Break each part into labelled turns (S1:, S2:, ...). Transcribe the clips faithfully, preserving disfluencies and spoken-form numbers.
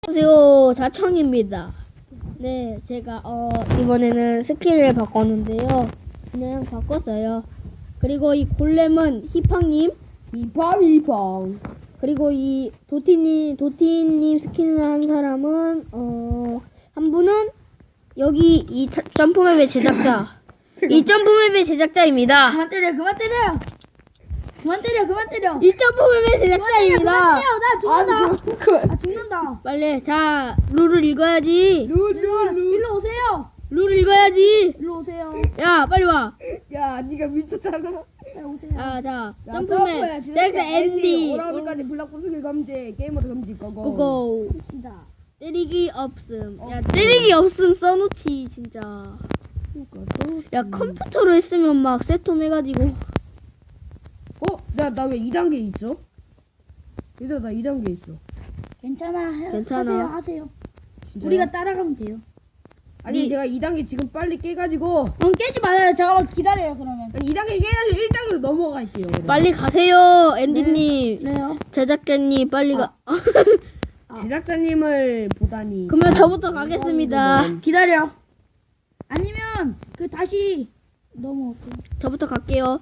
S1: 안녕하세요, 자청입니다. 네, 제가 어 이번에는 스킨을 바꿨는데요. 그냥 바꿨어요. 그리고 이 골렘은 히팡님,
S2: 히팡 히팡.
S1: 그리고 이 도티님, 도티님 스킨을 한 사람은 어 한 분은 여기 이 타- 점프맵의 제작자, 이 점프맵의 제작자입니다.
S3: 그만 때려, 그만 때려. 그만 때려, 그만 때려.
S1: 이 점프맵의
S3: 그만
S1: 제작자입니다.
S3: 때려, 나 죽는다.
S2: 그
S3: 나 죽는다.
S1: 빨리 자 룰을 읽어야지.
S3: 일로, 일로 오세요.
S1: 룰을 읽어야지.
S3: 일로 오세요.
S1: 야 빨리 와.
S2: 야, 네가 미쳤잖아.
S3: 빨리 오세요.
S1: 아, 자,
S2: 야,
S1: 점프맨,
S2: 점프해.
S1: 셀프 앤디,
S2: 오라운드까지 블락부수기 금지, 게이머도 금지, 고고.
S1: 고고.
S3: 시다.
S1: 때리기 없음. 야, 때리기 없음 써놓지, 진짜. 야,
S2: 음.
S1: 컴퓨터로 했으면 막 세톰 해가지고.
S2: 어? 나, 나 왜 이 단계 있어? 얘들아, 나 이 단계 있어.
S3: 괜찮아. 하-
S1: 괜찮아.
S3: 하세요, 하세요.
S2: 진짜요?
S3: 우리가 따라가면 돼요.
S2: 아니,
S1: 이-
S2: 제가 이 단계 지금 빨리 깨가지고.
S3: 응, 깨지 말아요. 잠깐만 기다려요, 그러면.
S2: 아니, 이 단계 깨가지고 일 단계로 넘어갈게요. 그럼.
S1: 빨리 가세요, 앤디님.
S3: 네요.
S1: 제작자님, 빨리 가.
S2: 제작자님을 보다니.
S1: 그러면 저부터 가겠습니다.
S3: 기다려. 아니면 그 다시 넘어올게요.
S1: 저부터 갈게요.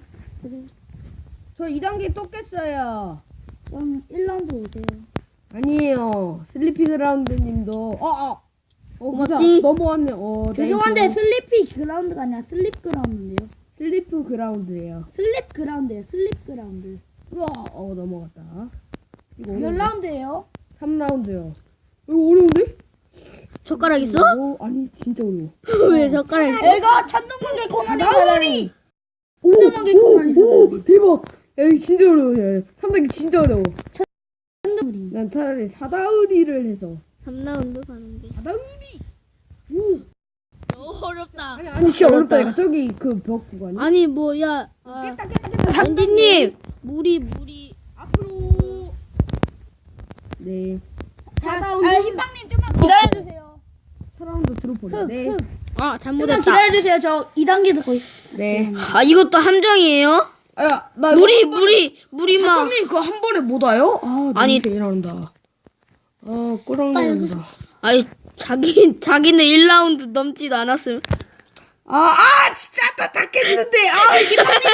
S2: 저 이 단계 또 깼어요.
S3: 그럼 일 라운드 오세요.
S2: 아니에요. 슬리피 그라운드님도. 어, 어. 어,
S1: 고맙지?
S2: 맞아. 넘어왔네. 어,
S3: 죄송한데
S2: 땡큐.
S3: 슬리피 그라운드가 아니라 슬립 그라운드인데요.
S2: 슬리프 그라운드예요.
S3: 슬립 그라운드예요. 슬립 그라운드.
S2: 우와, 어 넘어갔다. 이거
S3: 몇
S2: 어려운데?
S3: 라운드예요?
S2: 삼 라운드요. 이거 어려운데?
S1: 젓가락 있어?
S2: 어, 아니 진짜 어려워.
S1: 왜 젓가락 있어?
S3: 내가 천둥번개 코너리
S2: 나우리! 오,
S3: 천둥번개
S2: 오,
S3: 코너리
S2: 오, 대박. 야, 이거 진짜 어려워. 야, 삼 단계 진짜 어려워.
S3: 천둥번개.
S2: 난 차라리 사다우리를 해서.
S1: 삼 라운드 가는 게.
S2: 사다우리. 오.
S1: 너무 어렵다.
S2: 아니 아니 진짜
S1: 어렵다.
S2: 어렵다니까. 저기 그 벽 구간이.
S1: 아니, 뭐, 야. 아,
S2: 깼다 깼다 깼다. 삼 단계.
S1: 앤디님, 물이, 물이.
S2: 앞으로. 네.
S3: 아,
S2: 사다우리.
S3: 희빵님 좀만 기다려주세요.
S2: 사 라운드 드롭볼래. 네.
S3: 흑.
S1: 아,
S3: 좀만
S1: 잘못했다.
S3: 기다려주세요. 저 이 단계도 거의.
S2: 네.
S1: 아, 이것도 함정이에요?
S2: 아야, 나
S1: 물이, 물이, 물이 막.
S2: 사장님 그거 한 번에 못 와요? 아,
S1: 아니.
S2: 아니 제일 나온다. 아, 꼬랑 나온다.
S1: 아니, 자기, 자기는 일 라운드 넘지도 않았음.
S2: 아, 아, 진짜 나 다 깼는데. 아, 이게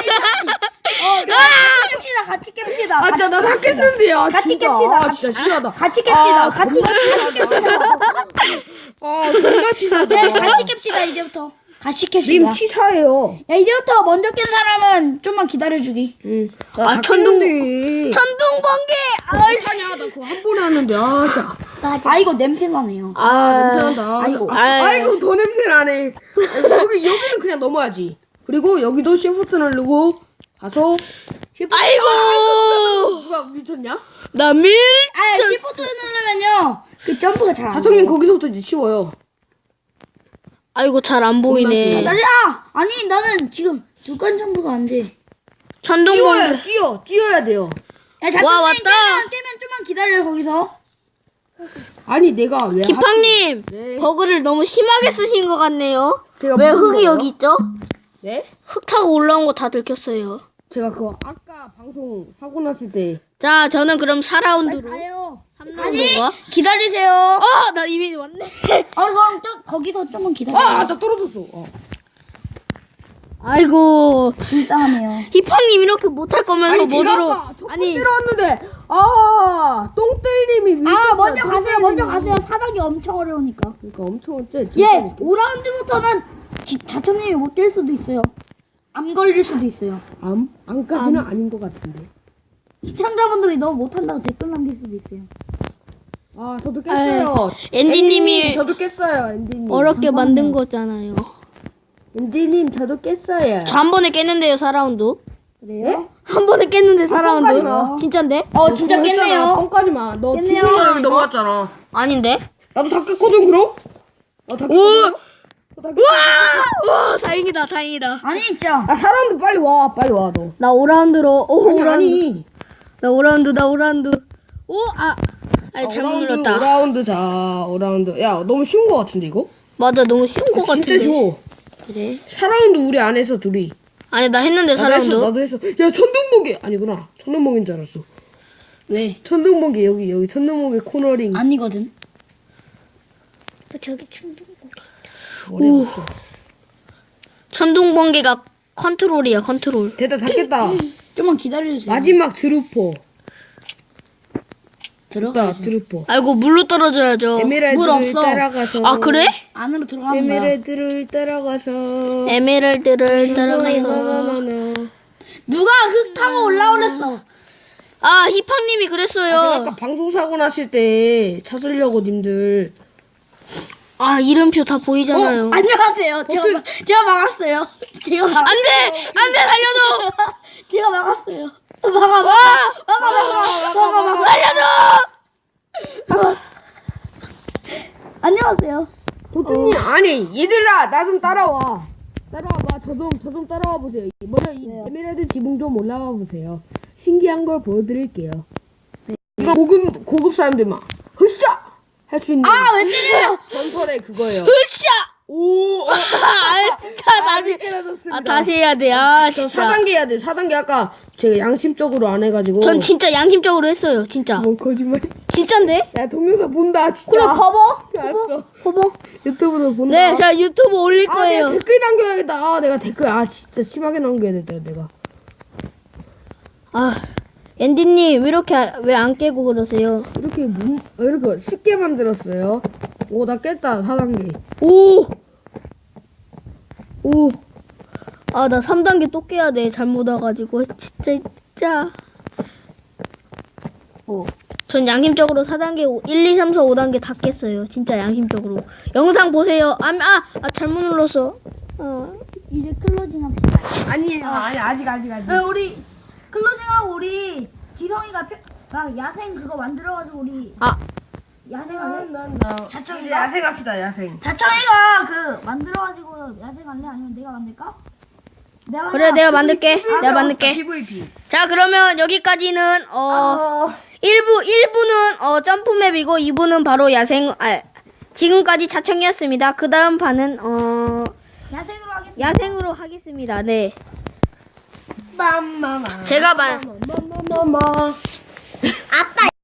S3: 어, 같이 깹시다. 같이 깹시다.
S2: 아, 진짜 나 다 깼는데요.
S3: 같이
S2: 진짜.
S3: 깹시다.
S2: 아, 진짜 싫어하다.
S3: 같이 깹시다.
S2: 아,
S3: 같이
S2: 겁나
S3: 같이 깹시다.
S2: 아, 존나 치사하다.
S3: 네, 같이 깹시다. 이제부터. 같이 깹시다.
S2: 님 치사해요.
S3: 야, 이제부터 먼저 깬 사람은 좀만 기다려주기.
S2: 응.
S1: 아, 천둥-
S2: 깼는데.
S1: 천둥번개!
S2: 아이, 사냐, 나 그거 한 번에 하는데. 아, 진짜.
S3: 아, 이거 냄새 나네요.
S2: 아, 냄새 난다.
S3: 아이고.
S2: 아, 아이고, 더 냄새 나네. 아이고, 여기, 여기는 그냥 넘어야지. 그리고 여기도 시프트 누르고, 가서. 시프트.
S1: 아이고!
S2: 누가 미쳤냐?
S1: 나 밀!
S3: 아, 시프트 누르면요. 그 점프가 잘 안 돼.
S2: 다성님 거기서부터 이제 쉬워요.
S1: 아이고, 잘 안 보이네.
S3: 기다려. 아, 아니, 나는 지금 두칸 점프가 안 돼.
S1: 천둥번개.
S2: 뛰어야 뛰어 뛰어야 돼요.
S3: 야,
S1: 와,
S3: 자천님
S1: 왔다.
S3: 깨면, 깨면 좀만 기다려, 거기서.
S2: 아니 내가 왜
S1: 기팡님,
S2: 네.
S1: 버그를 너무 심하게 쓰신 것 같네요.
S2: 제가
S1: 왜
S2: 무슨
S1: 흙이
S2: 거예요?
S1: 여기 있죠?
S2: 네?
S1: 흙 타고 올라온 거 다 들켰어요.
S2: 제가 그거 아까 방송 사고 났을 때
S1: 자, 저는 그럼 사
S3: 빨리
S1: 라운드로.
S3: 가요.
S1: 삼 라운드인가?
S3: 기다리세요.
S1: 어, 나 이미 왔네.
S3: 어, 그럼 저, 거기서 좀만 기다려.
S2: 아, 나 떨어졌어. 어.
S1: 아이고,
S3: 불쌍하네요.
S1: 히팡님 이렇게 못할 거면서
S2: 아니 제가
S1: 뭐로?
S2: 아까 첫
S1: 아니,
S2: 번째로 왔는데 아 똥뜰님이
S3: 아,
S2: 밀쳤어요.
S3: 먼저 가세요.
S2: 똥뜰님이.
S3: 먼저 가세요. 사닥이 엄청 어려우니까.
S2: 그러니까 엄청 어째
S3: 예, 오 라운드부터는 자천님이 못 깰 수도 있어요. 암 걸릴 수도 있어요.
S2: 암 암까지는 아닌 것 같은데.
S3: 시청자분들이 너무 못한다고 댓글 남길 수도 있어요.
S2: 아 저도 깼어요.
S1: 앤디님이
S2: 저도 깼어요. 앤디님.
S1: 어렵게 만든 거잖아요.
S2: 앤디님 저도 깼어요.
S1: 저 한 번에 깼는데요, 사 라운드.
S3: 그래요?
S1: 한 번에 깼는데 사
S2: 아,
S1: 라운드.
S2: 뻥까지 마.
S1: 진짠데?
S3: 어, 진짜 깼네요.
S2: 뻥까지 마. 너
S3: 깼네요.
S2: 뒷면으로 여기 넘어갔잖아.
S1: 아닌데?
S2: 나도 다 깼거든 그럼. 나다
S1: 오!
S2: 깼거든.
S1: 우와! 와, 다행이다, 다행이다.
S3: 아니, 진짜.
S2: 아 사람들 빨리 와 빨리 와 너.
S1: 나 오 라운드로, 오,
S2: 아니
S1: 오 라운드.
S2: 아니.
S1: 나 오 라운드, 나 오 라운드. 오, 아. 아니, 잘못
S2: 오
S1: 눌렀다.
S2: 라운드 자 오 라운드. 야 너무 쉬운 거 같은데 이거?
S1: 맞아, 너무 쉬운 거
S2: 아,
S1: 같은데.
S2: 진짜 쉬워.
S3: 그래?
S2: 사 라운드 우리 안 해서 둘이.
S1: 아니, 나 했는데 사
S2: 나도 했어
S1: 라운드.
S2: 나도 했어. 야 천둥번개 아니구나. 천둥번개인 줄 알았어.
S3: 왜?
S2: 천둥번개 여기 여기 천둥번개 코너링.
S3: 아니거든. 저기 충동고기.
S2: 머리 없어.
S1: 천둥 번개가 컨트롤이야 컨트롤.
S2: 됐다 닫겠다.
S3: 좀만 기다려주세요.
S2: 마지막 드루퍼.
S3: 들어가.
S2: 됐다 드루퍼.
S1: 아이고 물로 떨어져야죠.
S3: 물
S2: 에메랄드를
S3: 없어.
S2: 따라가서.
S1: 아 그래?
S3: 안으로 들어가는 거야.
S2: 에메랄드를 따라가서.
S1: 에메랄드를 따라가서.
S2: 나나나나.
S3: 누가 흙 타고 올라오랬어.
S1: 아 히팡님이
S2: 아,
S1: 그랬어요.
S2: 제가 아까 방송 사고 났을 때 찾으려고 님들.
S1: 아 이름표 다 보이잖아요.
S3: 안녕하세요. 제가, 막- 제가 막았어요. 제가 막
S1: 안돼 안돼 살려줘.
S3: 제가 막았어요. 막아 막아 막아 막아 막아 막아
S1: 살려줘.
S3: 안녕하세요.
S2: 도트님 아니 얘들아 나 좀 따라와. 따라와봐. 저 좀 저 좀 따라와 보세요. 먼저 이 에메랄드 지붕 좀 올라와 보세요. 신기한 걸 보여드릴게요. 이거 고급 고급 사람들만 흐쌰 할 수 있는.
S3: 아 왜 때려요?
S2: 전설의 그거예요.
S1: 으쌰.
S2: 오. 어.
S1: 아 진짜 다시.
S2: 깨달았습니다.
S1: 아 다시 해야 돼. 아
S2: 저
S1: 진짜.
S2: 사 단계 해야 돼. 사 단계 아까 제가 양심적으로 안 해가지고.
S1: 전 진짜 양심적으로 했어요. 진짜.
S2: 뭐 거짓말.
S1: 진짜인데?
S2: 야 동영상 본다 진짜.
S1: 그래 봐봐.
S2: 알았어.
S1: 봐봐.
S2: 유튜브로 본다.
S1: 네, 자 유튜브 올릴
S2: 아
S1: 거예요.
S2: 내가 댓글 남겨야겠다. 아 내가 댓글 아 진짜 심하게 남겨야겠다 내가.
S1: 아 앤디님 왜 이렇게 왜 안 깨고 그러세요?
S2: 이렇게 문, 어, 이렇게 쉽게 만들었어요. 오 나 깼다 사 단계.
S1: 오. 오. 아 나 삼 단계 또 깨야 돼. 잘못 와가지고 진짜 진짜. 오. 전 양심적으로 사 단계, 일, 이, 삼, 사, 오 단계 다 깼어요. 진짜 양심적으로. 영상 보세요. 아, 아, 아 잘못 눌렀어. 어.
S3: 이제 클로징 합시다.
S2: 아니에요. 아니 아직 아직 아직.
S3: 어, 우리 클로징하고 우리 지성이가 펴, 막 야생 그거 만들어가지고 우리
S1: 아,
S3: 야생할래?
S2: 난나
S3: 자청이가?
S2: 이제 야생합시다 야생.
S3: 자청이가 그 만들어가지고 야생할래? 아니면 내가 만들까? 내가
S1: 그래 내가 만들게. 내가 만들게.
S2: 피브이피.
S1: 자 그러면 여기까지는 어.
S2: 어.
S1: 일 부, 일 부는 어, 점프맵이고 이 부는 바로 야생, 아, 지금까지 자청이었습니다. 그 다음 판은 어,
S3: 야생으로 하겠습니다.
S1: 야생으로 하겠습니다. 네.
S2: 빰마마.
S1: 제가 만,
S2: 마마마마.
S3: 아빠